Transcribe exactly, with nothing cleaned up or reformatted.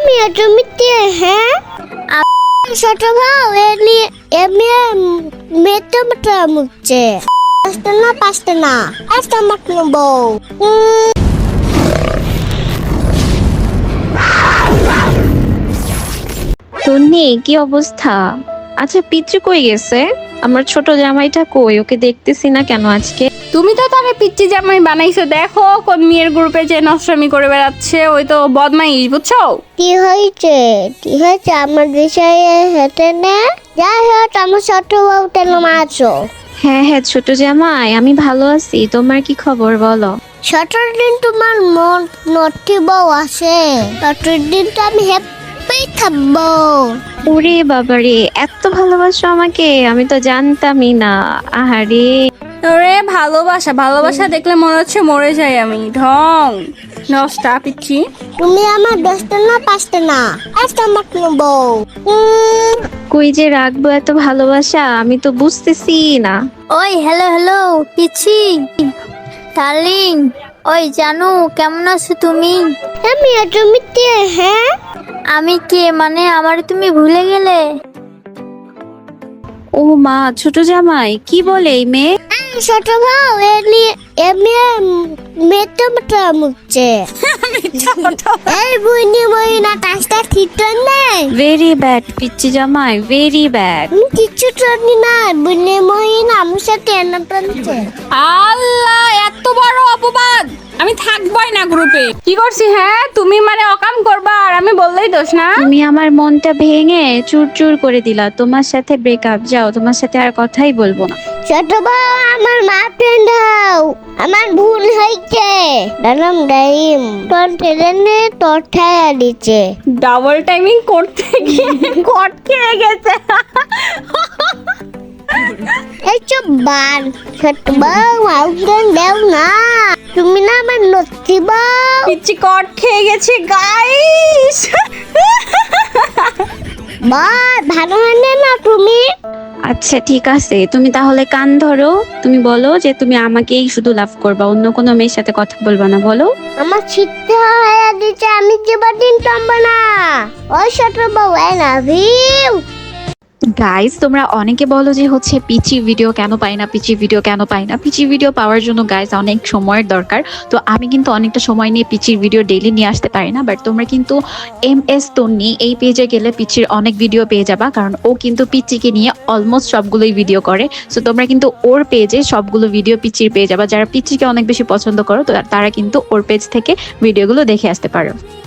আমি জমিতে হ্যাঁ ছোট ভাও এলি এমনি মেতে মতো মুচ্ছে পাঁচটা না পাঁচটা না পাঁচটা মাঠ নেবো তন্নি কি অবস্থা? আচ্ছা পিচ্চু কই গেছে? আমার ছোট জামাইটা কই? ওকে দেখতেছি না কেন আজকে? তুমি তো তারে পিচ্চি জামাই বানাইছো, দেখো কোন মেয়ের গ্রুপে যে নষ্টামি করে বেড়াচ্ছে, ওই তো বদমাইশ, বুঝছো? কি হয়েছে কি হয়েছে আমার বিষয়ে হেঁটে নে যাই হোক আমার ছোট বউ তেল মারছো হ্যাঁ হ্যাঁ ছোট জামাই, আমি ভালো আছি। তোমার কি খবর বলো? ছোটর দিন তোমার মন নটি বউ আছে ছোটর দিন তো আমি হ্যাপি থাকবো। ওরে বাবারে, এত ভালোবাসো আমাকে, আমি তো জানতামই না। আহারে ওরে ভালোবাসা ভালোবাসা দেখলে মনে হচ্ছে মরে যাই আমি। ঢং নষ্টা পিচ্ছি। তুমি আমার দশটা না পাঁচটা না পাঁচটা মাঠ নেবো কই যে রাখবো এত ভালোবাসা, আমি তো বুঝতেছি না। ওই হ্যালো হ্যালো পিচ্ছি ডার্লিং, ওই জানু কেমন আছো তুমি? আমি জমিতে হ্যাঁ আমি কে মানে আমার তুমি ভুলে গেলে? ও মা, ছোট জামাই কি বলে এই মেয়ে? ছোট ভাও এলি এমনি মেতে মতো মুচ্ছে এই বুইনি বইনা কাজটা ঠিক নেই ভেরি ব্যাড পিচ্চি জামাই, ভেরি ব্যাড। আমি কিচ্ছু জানি না বুইনি মহিনা আমার সাথে এনে টানছে আল্লাহ, এত বড় অপবাদ! আমি থাকবই না গ্রুপে। কি করছি হ্যাঁ? তুমি মানে অকাম করবা আর আমি বললেই দোষ না? তুমি আমার মনটা ভেঙে চুর চুর করে দিলা। তোমার সাথে ব্রেকআপ, যাও, তোমার সাথে আর কথাই বলবো না। ছোট ভাও আমার মা ফ্রেন্ড হও আমার ভুল হয়েছে দালাম ডাইম তোর ট্রেনে তোর ঠায়া দিচ্ছে ডাবল টাইমিং করতে গিয়ে কট খেয়ে গেছে। এই চুপ বান ছোট বউ আউটডোর দেও না তুমি না আমার নথি বউ পিচ্চি কট খেয়ে গেছে গাইস। বল ভালো হয় না তুমি আচ্ছা ঠিক আছে, তুমি তাহলে কান ধরো। তুমি বলো যে তুমি আমাকেই শুধু লাভ করবা, অন্য কোনো মেয়ের সাথে কথা বলবা না, বলো। আমার ছিটতে হয়ে দিচ্ছে আমি জীবনদিন টম্ব না ওই ছোট বউ আই লাভ ইউ গাইস, তোমরা অনেকে বলো যে হচ্ছে পিচি ভিডিও কেন পাই না, পিচি ভিডিও কেন পাই না। পিচি ভিডিও পাওয়ার জন্য গাইস অনেক সময়ের দরকার। তো আমি কিন্তু অনেকটা সময় নিয়ে পিচির ভিডিও ডেইলি নিয়ে আসতে পারি না, বাট তোমরা কিন্তু এম এস তন্নি এই পেজে গেলে পিচির অনেক ভিডিও পেয়ে যাবা, কারণ ও কিন্তু পিচিকে নিয়ে অলমোস্ট সবগুলোই ভিডিও করে। সো তোমরা কিন্তু ওর পেজে সবগুলো ভিডিও পিচির পেয়ে যাবা। যারা পিচিকে অনেক বেশি পছন্দ করো তো তারা কিন্তু ওর পেজ থেকে ভিডিওগুলো দেখে আসতে পারো।